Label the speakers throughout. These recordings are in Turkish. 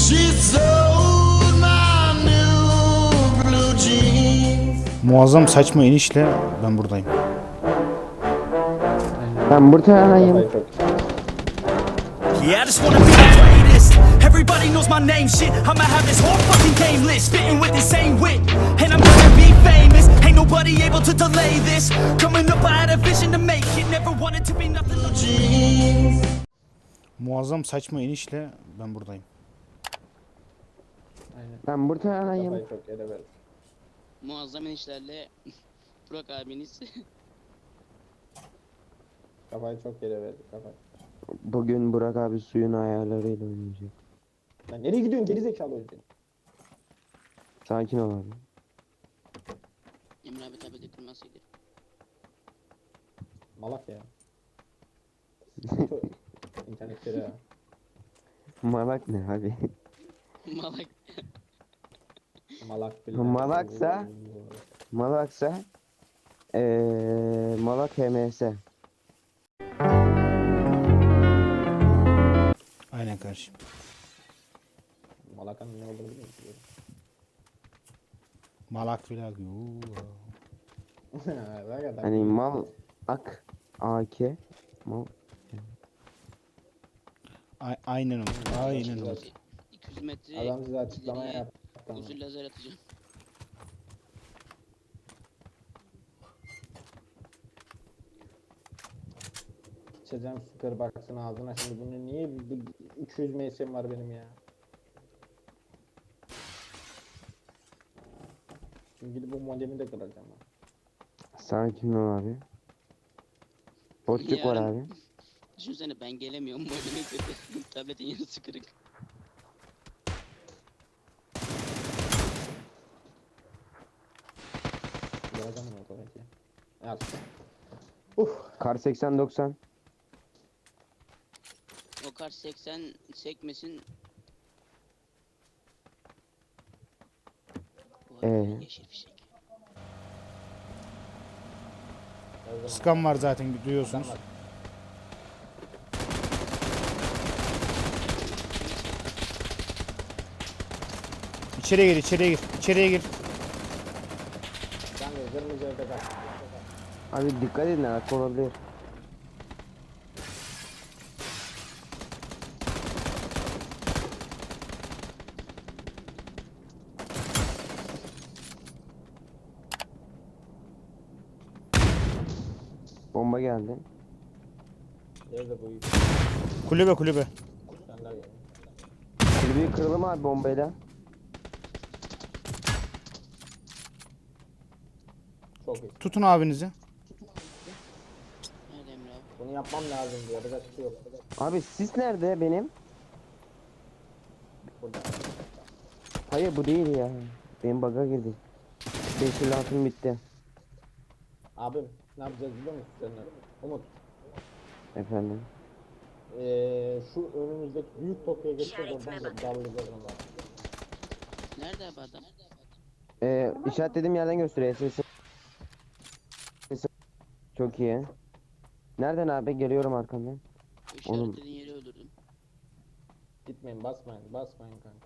Speaker 1: Muazzam saçma inişle ben buradayım.
Speaker 2: Ben buradayım.
Speaker 3: Yeah, I just wanna be the greatest. Everybody knows my name, shit. I'ma have this whole fucking game list, spitting with the same wit, and I'm gonna be famous. Ain't nobody able to delay this. Coming up, I had a vision to make it. Never wanted to be nothing.
Speaker 1: Muazzam saçma inişle ben buradayım.
Speaker 2: Ben buradayım.
Speaker 4: Kafayı çok yere ver.
Speaker 5: Muazzam inişlerle Burak abiniz.
Speaker 4: Kafayı çok yere verdi kafayı.
Speaker 2: Bugün Burak abi suyun ayarlarıyla oynayacak.
Speaker 4: Lan nereye gidiyorsun gerizekalı o yüzden?
Speaker 2: Sakin ol abi.
Speaker 5: Emre abi tabi de kırmasıydı.
Speaker 4: Malak ya. İnternetleri ya.
Speaker 2: Malak ne abi?
Speaker 5: Malak.
Speaker 4: Malak bile.
Speaker 2: Malaksa? Malaksa Malak HMS.
Speaker 1: Aynen kardeşim.
Speaker 4: Malakanın ne olduğunu biliyor musun?
Speaker 1: Malak filan.
Speaker 4: Bak adam.
Speaker 2: Hani mal ak AK mal.
Speaker 1: Aynen o. Aynen o.
Speaker 5: 200 metre
Speaker 4: Adam size açıklama
Speaker 5: ileriye
Speaker 4: yaptı. ama.
Speaker 5: uzun lazer atacağım.
Speaker 4: İçeceğim süper baksın ağzına şimdi bunu niye 300 MS'm var benim ya. Şimdi gidip bu modemi de kıracağım ben.
Speaker 2: Sakin ol abi. Boşluk var
Speaker 5: Yarın-
Speaker 2: abi.
Speaker 5: Düşünsene ben gelemiyorum modemi kötü. Tabletin yarısı kırık.
Speaker 4: Kıracağım onu otomatik. Al.
Speaker 2: Kar 80-90.
Speaker 5: O kar 80 sekmesin. Bu arada yeşil fişek.
Speaker 1: Skan var zaten duyuyorsunuz. İçeriye gir, içeriye gir, içeriye gir.
Speaker 4: Sen de kırmızı evde kal.
Speaker 2: Abi dikkat edin arka olabilir. Bomba geldi.
Speaker 4: Nerede bu yük?
Speaker 1: Kulübe kulübe.
Speaker 4: Sen de gel.
Speaker 2: Kulübüyü kıralım abi bombayla.
Speaker 4: Çok iyi.
Speaker 1: Tutun abinizi.
Speaker 5: Nerede Emre abi?
Speaker 4: Bunu yapmam lazım diyor. Yapacak bir şey yok.
Speaker 2: Abi sis nerede benim?
Speaker 4: Burada.
Speaker 2: Hayır bu değil ya. Benim bug'a girdi. 556'm bitti.
Speaker 4: Abim ne yapacağız biliyor musun seninle? Umut.
Speaker 2: Efendim.
Speaker 4: Şu önümüzdeki büyük Tokyo'ya geçeceğiz oradan da dallayacağız onları.
Speaker 5: Nerede abi adam?
Speaker 2: İşaretlediğim yerden gösteriyor. Çok iyi. Nereden abi? Geliyorum arkandan.
Speaker 5: O
Speaker 2: Oğlum.
Speaker 5: işaretlediğin yeri öldürdüm.
Speaker 4: Gitmeyin basmayın basmayın kanka.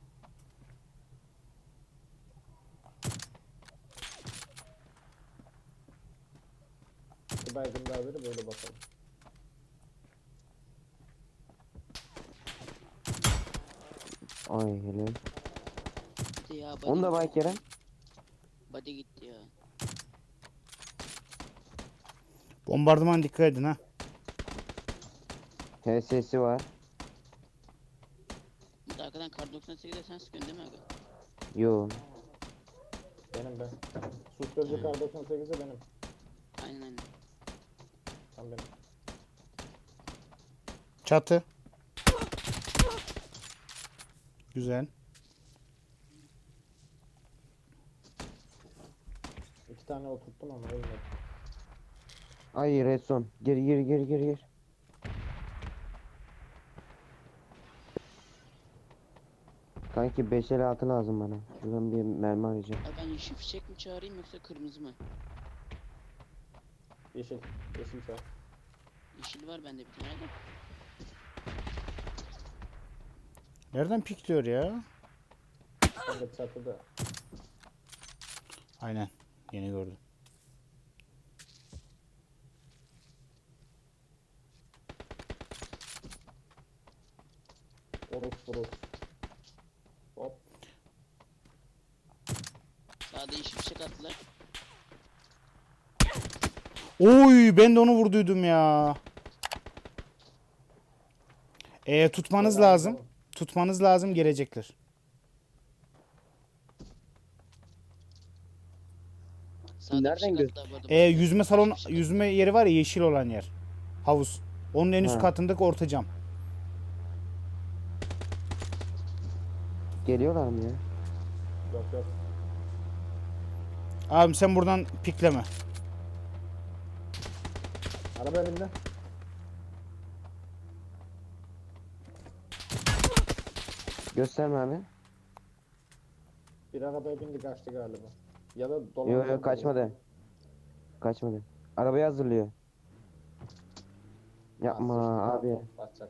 Speaker 4: Bir baygın daha verip böyle bakalım.
Speaker 2: Ay helal.
Speaker 5: Gitti ya body.
Speaker 2: Onu da bay Kerem.
Speaker 5: Body gitti ya.
Speaker 1: Bombardıman dikkat edin ha.
Speaker 2: HS'si var.
Speaker 5: Bu da arkadan kar 98'de sen sıkıyorsun değil mi abi?
Speaker 2: Yo.
Speaker 4: Benim ben. Susturucu kar 98'i benim.
Speaker 5: Aynen aynen.
Speaker 4: Tam benim.
Speaker 1: Çatı. Güzel.
Speaker 4: İki tane oturttum ama ölmedi.
Speaker 2: Ay redson. Gir. Kanki 556 lazım bana. Şuradan bir mermi arayacağım.
Speaker 5: Abi ben yeşil fişek mi çağırayım yoksa kırmızı mı?
Speaker 4: Yeşil. Yeşil çağ.
Speaker 5: Yeşil var bende bir tane de.
Speaker 1: Nereden pikliyor ya?
Speaker 4: Kanka çatıda.
Speaker 1: Aynen. Yeni gördüm.
Speaker 4: Orus. Hop.
Speaker 5: Sağda iş bir şey attılar.
Speaker 1: Oy ben de onu vurduydum ya. Tutmanız lazım. Tutmanız lazım, gelecekler.
Speaker 5: Sağda
Speaker 2: Nereden
Speaker 5: bir şey attılar bu arada.
Speaker 1: Yüzme salonu, yüzme yeri var ya, yeşil olan yer. Havuz. Onun en üst
Speaker 2: Ha.
Speaker 1: katındaki orta cam.
Speaker 2: Geliyorlar mı ya?
Speaker 4: Yok.
Speaker 1: Abim sen buradan pikleme.
Speaker 4: Araba önümde.
Speaker 2: Gösterme abi.
Speaker 4: Bir arabaya bindi kaçtı galiba. Ya da dolan.
Speaker 2: Yok kaçmadı. Kaçmadı. Arabayı hazırlıyor. Yapma abi.
Speaker 4: Basacak.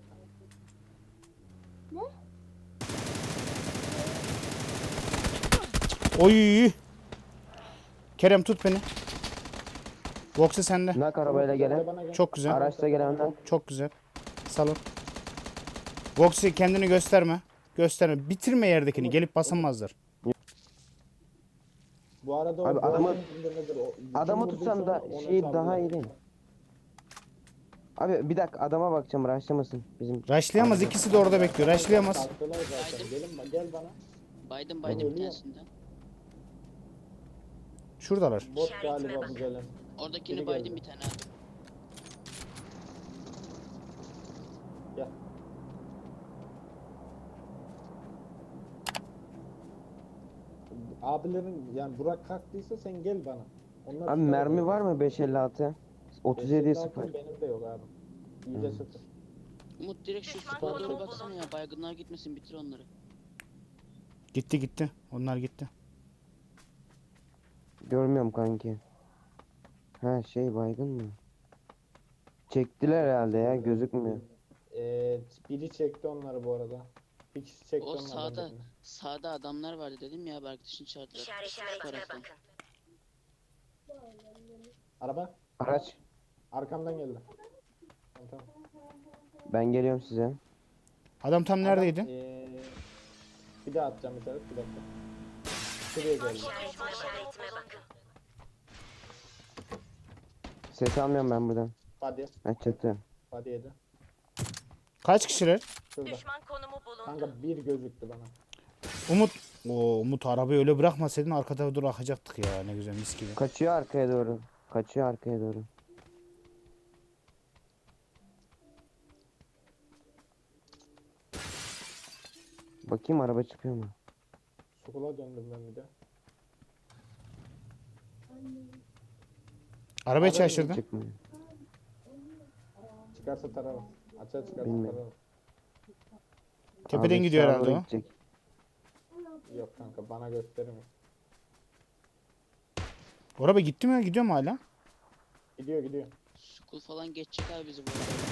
Speaker 1: Oy. Kerem tut beni. Vox'e sende.
Speaker 2: Nak arabayla gelen.
Speaker 4: Bana gel.
Speaker 1: Çok güzel.
Speaker 2: Araçla gelen nak.
Speaker 1: Çok güzel. Salon. Vox'e kendini gösterme. Gösterme. Bitirme yerdekini. Gelip basamazlar.
Speaker 4: Bu arada
Speaker 2: Abi
Speaker 4: o
Speaker 2: adamı-
Speaker 4: boğazın içinde nedir o? Bütün
Speaker 2: Adamı
Speaker 4: vurduysa
Speaker 2: tutsan da
Speaker 4: ona
Speaker 2: şey
Speaker 4: saldırı.
Speaker 2: daha iyi değil. Abi bir dakika adama bakacağım raşlamasın bizim.
Speaker 1: Rushlayamaz. İkisi de orada bekliyor. Rushlayamaz.
Speaker 4: Kalktılar zaten. Gel bana.
Speaker 5: Baydım bir
Speaker 4: ölüyor.
Speaker 5: tanesinden.
Speaker 1: Şuradalar.
Speaker 4: Bot galiba bu gelen.
Speaker 5: Oradakini
Speaker 4: Biri
Speaker 5: baydım
Speaker 4: geldi.
Speaker 5: bir tane abi.
Speaker 4: Gel. Abilerin yani Burak kalktıysa sen gel bana. Onlar
Speaker 2: Abi
Speaker 4: tutar
Speaker 2: mermi
Speaker 4: orayı.
Speaker 2: var mı 556? 37
Speaker 4: 556
Speaker 2: 0.
Speaker 4: Benim de yok abi. Yüzde sıfır.
Speaker 5: Umut direkt şu spora doğru baksana ya. Baygınlar gitmesin, bitir onları.
Speaker 1: Gitti. Onlar gitti.
Speaker 2: Görmüyorum kanki. Ha şey baygın mı? Çektiler herhalde ya gözükmüyor.
Speaker 4: Biri çekti onları bu arada. Bir kişi çekti
Speaker 5: O
Speaker 4: onlardan
Speaker 5: sağda,
Speaker 4: birini.
Speaker 5: sağda adamlar vardı dedim ya, bir arkadaşın çağırdılar. Şu taraftan.
Speaker 4: Araba
Speaker 2: Araç.
Speaker 4: arkamdan geldi. Tamam.
Speaker 2: Ben geliyorum size.
Speaker 1: Adam tam neredeydi?
Speaker 4: Adam, bir daha atacağım bir taraf, bir dakika. Şuraya geldi.
Speaker 2: Ses almıyorum ben buradan.
Speaker 4: Hadi.
Speaker 2: Ha çatı.
Speaker 4: Hadi yedi.
Speaker 1: Kaç kişiler?
Speaker 4: Şurada.
Speaker 6: Düşman konumu bulundu.
Speaker 4: Kanka bir gözüktü bana.
Speaker 1: Umut. Umut arabayı öyle bırakmasaydın arkada dur akacaktık ya. Ne güzel mis gibi.
Speaker 2: Kaçıyor arkaya doğru. Kaçıyor arkaya doğru. Bakayım araba çıkıyor mu?
Speaker 4: Sukula döndüm ben bir de.
Speaker 1: Arabayı şaşırdın.
Speaker 2: Çıkmıyor.
Speaker 4: Çıkarsa tararım. Açığa çıkarsa
Speaker 2: Bilmiyorum.
Speaker 4: tararım.
Speaker 1: Tepeden
Speaker 2: Abi
Speaker 1: gidiyor
Speaker 2: sağa
Speaker 1: herhalde
Speaker 2: doğru
Speaker 1: o.
Speaker 2: gidecek.
Speaker 4: Yok kanka bana göstermiyor.
Speaker 1: Araba gitti mi? Gidiyor mu hala?
Speaker 4: Gidiyor.
Speaker 5: School falan geçecek abi bizi bu arada.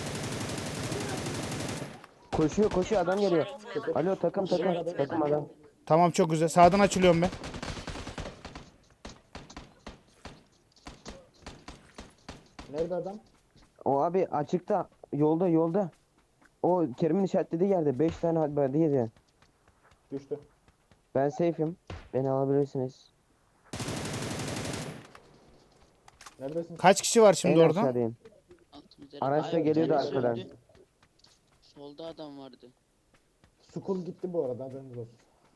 Speaker 2: Koşuyor adam geliyor. Alo takım adam.
Speaker 1: Tamam çok güzel. Sağdan açılıyorum ben.
Speaker 4: Nerede adam?
Speaker 2: O abi açıkta yolda. O Kerim'in işaretlediği yerde 5 tane halberde yedi.
Speaker 4: Düştü.
Speaker 2: Ben safe'im. Beni alabilirsiniz.
Speaker 4: Neredesin?
Speaker 1: Kaç kişi var şimdi
Speaker 2: En
Speaker 1: orada?
Speaker 2: aşağıdayım.
Speaker 5: Altımızda.
Speaker 2: Araçla
Speaker 5: Ay, bir
Speaker 2: geliyordu
Speaker 5: tanesi
Speaker 2: arkadan.
Speaker 5: öldü. Solda adam vardı.
Speaker 4: Sukul gitti bu arada haberiniz olsun.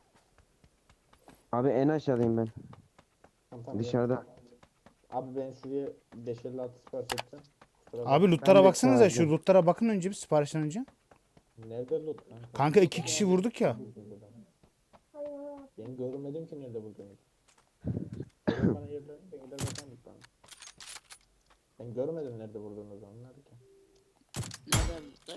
Speaker 2: Abi en aşağıdayım ben.
Speaker 4: Tamam,
Speaker 2: Dışarıda.
Speaker 4: gel. Abi ben şuraya 556 sipariş edeceğim. Kusura
Speaker 1: Abi
Speaker 2: Ben
Speaker 1: lootlara
Speaker 2: de
Speaker 1: baksanıza. Şu
Speaker 2: çağırdım.
Speaker 1: lootlara bakın önce bir siparişten önce.
Speaker 4: Nerede loot kanka?
Speaker 1: Kanka 2 kişi vurduk ya.
Speaker 4: Ben görmedim ki nerede bulduğunu. Sen bana yerlerini de gider bakalım bana. Ben görmedim nerede vurduğunuzu onlar ki.
Speaker 5: Nerede abi lootlar?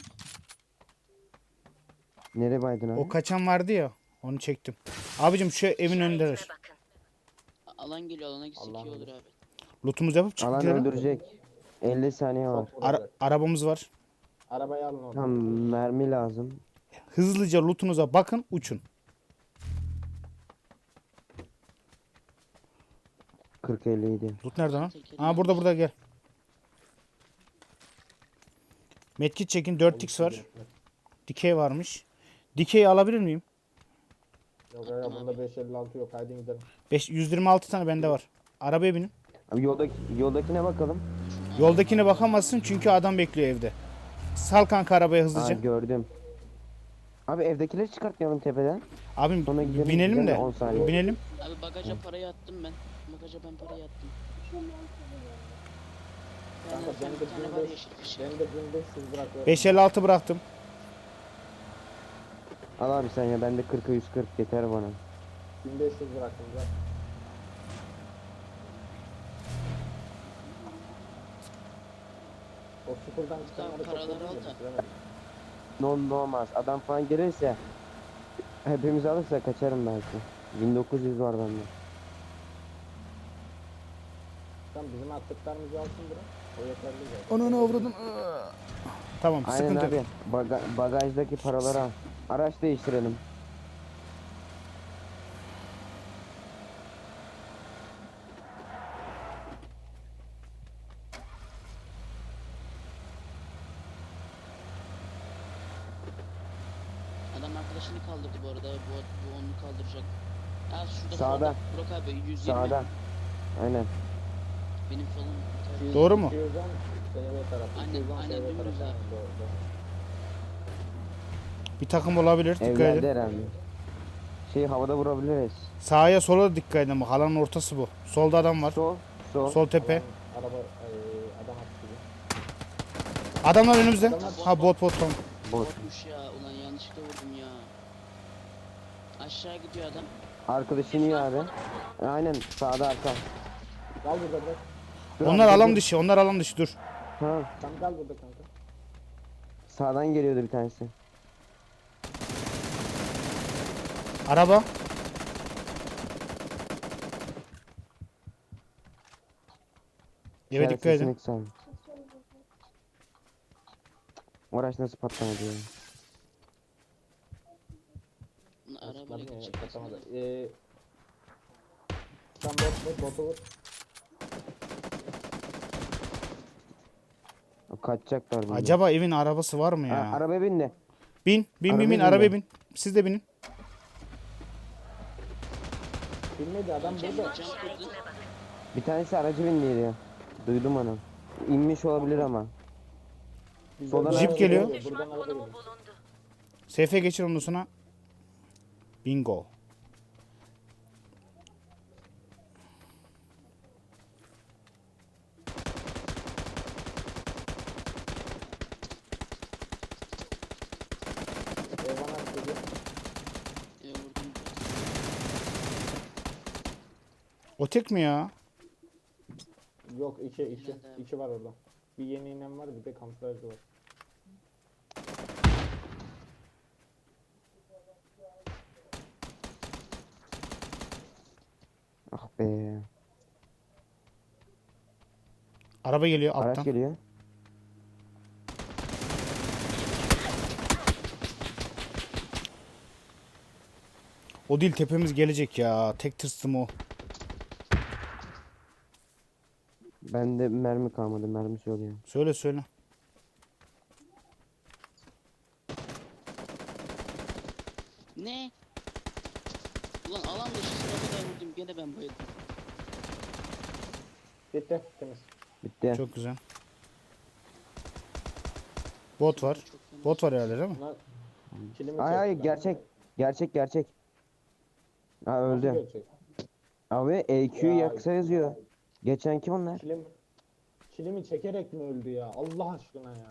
Speaker 2: Nereye baydın abi?
Speaker 1: O kaçan vardı ya. Onu çektim. Abicim şu evin önündeler.
Speaker 5: Alan geliyor, alana gitsek iyi olur abi.
Speaker 1: Lootumuzu yapıp çıkıp
Speaker 2: Alan
Speaker 1: gidelim.
Speaker 2: öldürecek. 50 saniye var.
Speaker 4: Çok vuracak.
Speaker 1: Arabamız var.
Speaker 4: Arabayı alın oradan.
Speaker 2: Tam mermi lazım.
Speaker 1: Hızlıca lootunuza bakın, uçun.
Speaker 2: 40-50 idi.
Speaker 1: Loot nerede lan?
Speaker 5: Tekerim
Speaker 1: Aa, burada gel. Medkit çekin, 4x var. Dikey varmış. Dikey alabilir miyim?
Speaker 4: Yok ya bunda 556 yok. Haydi gidelim.
Speaker 1: 126 tane bende var. Arabaya binin.
Speaker 2: Abi yoldakine bakalım.
Speaker 1: Yoldakine bakamazsın çünkü adam bekliyor evde. Sal kanka arabaya
Speaker 2: Aa,
Speaker 1: hızlıca.
Speaker 2: gördüm. Abi evdekileri çıkartmayalım tepeden.
Speaker 1: Abim
Speaker 2: Sonra gidelim,
Speaker 1: binelim
Speaker 2: gidelim
Speaker 1: de.
Speaker 2: 10 saniye.
Speaker 1: Binelim.
Speaker 5: Abi bagaja parayı attım ben. Bagaja ben parayı attım.
Speaker 4: Kanka
Speaker 5: Yani
Speaker 4: ben
Speaker 5: bir tane var
Speaker 4: de
Speaker 5: yeşil fişek.
Speaker 4: ben de 1500 bırakıyorum.
Speaker 1: 556 bıraktım.
Speaker 2: Al abi sen ya, bende 40'a 140 yeter bana.
Speaker 4: 1500 bıraktım ya. O sıfırdan çıkanları çok
Speaker 5: paraları
Speaker 4: kötü
Speaker 5: al da.
Speaker 4: bitiremedim.
Speaker 2: Ne olmaz. Adam falan gelirse hepimiz alırsa kaçarım belki. 1900 var bende.
Speaker 4: Sen bizim attıklarımızı alsın bırak. O yeterli zaten.
Speaker 1: Onu avradın. Tamam,
Speaker 2: Aynen
Speaker 1: sıkıntı
Speaker 2: abi.
Speaker 1: yok.
Speaker 2: Bagajdaki paraları al. Araç değiştirelim.
Speaker 5: Adam arkadaşını kaldırdı bu arada. Bu onu kaldıracak. Ha şurada
Speaker 2: Sağda.
Speaker 5: solda. Burak abi 120.
Speaker 2: Sağda. Aynen.
Speaker 5: Benim solum.
Speaker 1: Doğru mu?
Speaker 4: 210 SYV tarafı.
Speaker 5: Aynen,
Speaker 4: 210
Speaker 5: aynen,
Speaker 4: SYV
Speaker 5: dümdüz
Speaker 4: tarafı.
Speaker 5: abi.
Speaker 4: Aynen, doğru.
Speaker 1: Bir takım olabilir. Dikkat
Speaker 2: Evlerde
Speaker 1: edin.
Speaker 2: herhalde. Şeyi havada vurabiliriz.
Speaker 1: Sağa sola da dikkat edin. Bak, alanın ortası bu. Solda adam var.
Speaker 2: Sol.
Speaker 1: Sol tepe.
Speaker 4: Araba adam attı gibi.
Speaker 1: Adamlar önümüzde. Ha, bot tamam.
Speaker 2: Bot.
Speaker 5: Botmuş ya. Ulan yanlışlıkla vurdum ya. Aşağı gidiyor adam.
Speaker 2: Arkadaşın iyi abi. Aynen sağda arka.
Speaker 4: Kal burada bırak.
Speaker 2: Dur
Speaker 1: Onlar
Speaker 2: abi, dur,
Speaker 1: alan
Speaker 2: dur.
Speaker 1: dışı. Onlar alan dışı. Dur.
Speaker 2: Tamam.
Speaker 4: Sen kal burada kanka.
Speaker 2: Sağdan geliyordu bir tanesi.
Speaker 1: Araba. Evet, dikkat edin.
Speaker 2: Araç nasıl patlamadı ya?
Speaker 5: Arabayla
Speaker 4: Basmadım ya,
Speaker 5: gidecek.
Speaker 4: katamadı. Sen botu vur.
Speaker 2: Kaçacaklar bunlar.
Speaker 1: Acaba evin arabası var mı
Speaker 2: Ha,
Speaker 1: ya?
Speaker 2: arabaya bindi.
Speaker 1: Bin
Speaker 2: Arabaya
Speaker 1: arabaya
Speaker 2: bindi.
Speaker 1: bin. Siz de binin.
Speaker 4: Bilmedi adam burada.
Speaker 5: Cam kırdı.
Speaker 2: Bir tanesi aracı bindiydi ya. Duydum onu. İnmiş olabilir ama. Soldan
Speaker 1: Jeep
Speaker 2: araba
Speaker 1: geliyor.
Speaker 4: Buradan araba geliyor.
Speaker 1: SF geçir ondan sonra. Bingo.
Speaker 4: Eyvan attı gibi.
Speaker 5: Vurdum.
Speaker 1: O tek mi ya?
Speaker 4: Yok iki.
Speaker 5: Nerede?
Speaker 4: İki var orada. Bir yeni inen var bir de kamuflajlı var.
Speaker 2: Ah be.
Speaker 1: Araba geliyor
Speaker 2: Araç
Speaker 1: alttan.
Speaker 2: geliyor.
Speaker 1: O değil, tepemiz gelecek ya. Tek tırstım o.
Speaker 2: Bende mermi kalmadı. Mermisi oluyor.
Speaker 1: Söyle.
Speaker 5: Ne? Ulan alan dışısına kadar vurdum. Gene ben bayıldım.
Speaker 4: Bitti. Temiz.
Speaker 2: Bitti.
Speaker 1: Çok güzel. Bot var.
Speaker 5: Çok fena.
Speaker 1: Bot var herhalde değil mi?
Speaker 4: Bunlar kilimi
Speaker 2: Ay ay
Speaker 4: çekti.
Speaker 2: gerçek. Gerçek. Ha
Speaker 4: Nasıl
Speaker 2: öldü.
Speaker 4: gerçek?
Speaker 2: Abi EQ
Speaker 4: Ya.
Speaker 2: yaksa yazıyor. Geçen kim onlar?
Speaker 4: Kilimi çekerek mi öldü ya? Allah aşkına ya.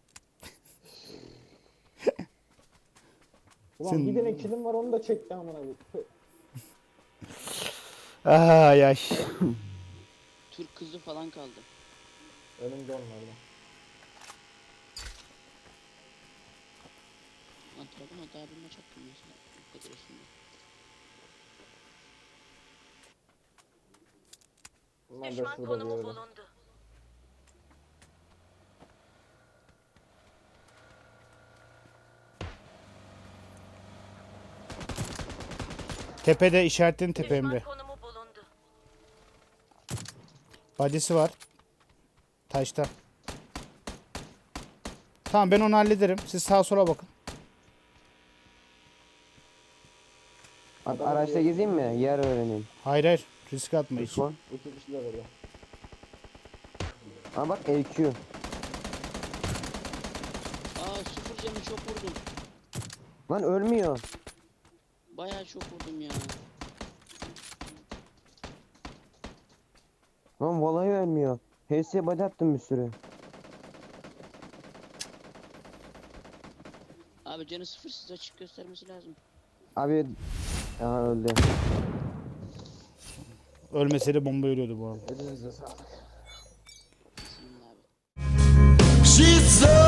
Speaker 4: Ulan
Speaker 1: Sen-
Speaker 4: bir tane kilim var onu da çekti amına koyayım.
Speaker 1: Ay ay.
Speaker 5: Türk kızı falan kaldı.
Speaker 4: Önümde onlardan.
Speaker 5: Lan Trabzon'a daha bir maç attım mesela. Bu kadar üstünde.
Speaker 4: Bunlar da şurada bir yerde.
Speaker 1: Tepede işaretlerin tepe Emre.
Speaker 6: Konumu bulundu.
Speaker 1: Badisi var. Taşta. Tamam ben onu hallederim. Siz sağa sola bakın.
Speaker 2: Araçta gezeyim mi? Yer öğreneyim.
Speaker 1: Hayır hayır. Risk atma hiç.
Speaker 2: Son.
Speaker 4: İki kişi de veriyor.
Speaker 2: Aa bak EQ.
Speaker 5: Aa sıfır canı çok vurdum.
Speaker 2: Lan ölmüyor.
Speaker 5: Bayağı çok vurdum ya.
Speaker 2: Lan vallahi ölmüyor. HS'ye body attım bir sürü.
Speaker 5: Abi canı sıfır size açık göstermesi lazım.
Speaker 2: Abi aha öldü.
Speaker 1: Ölmeseydi bomba ölüyordu bu arada.
Speaker 4: Elinize sağlık.
Speaker 5: Bismillah abi.
Speaker 3: She's so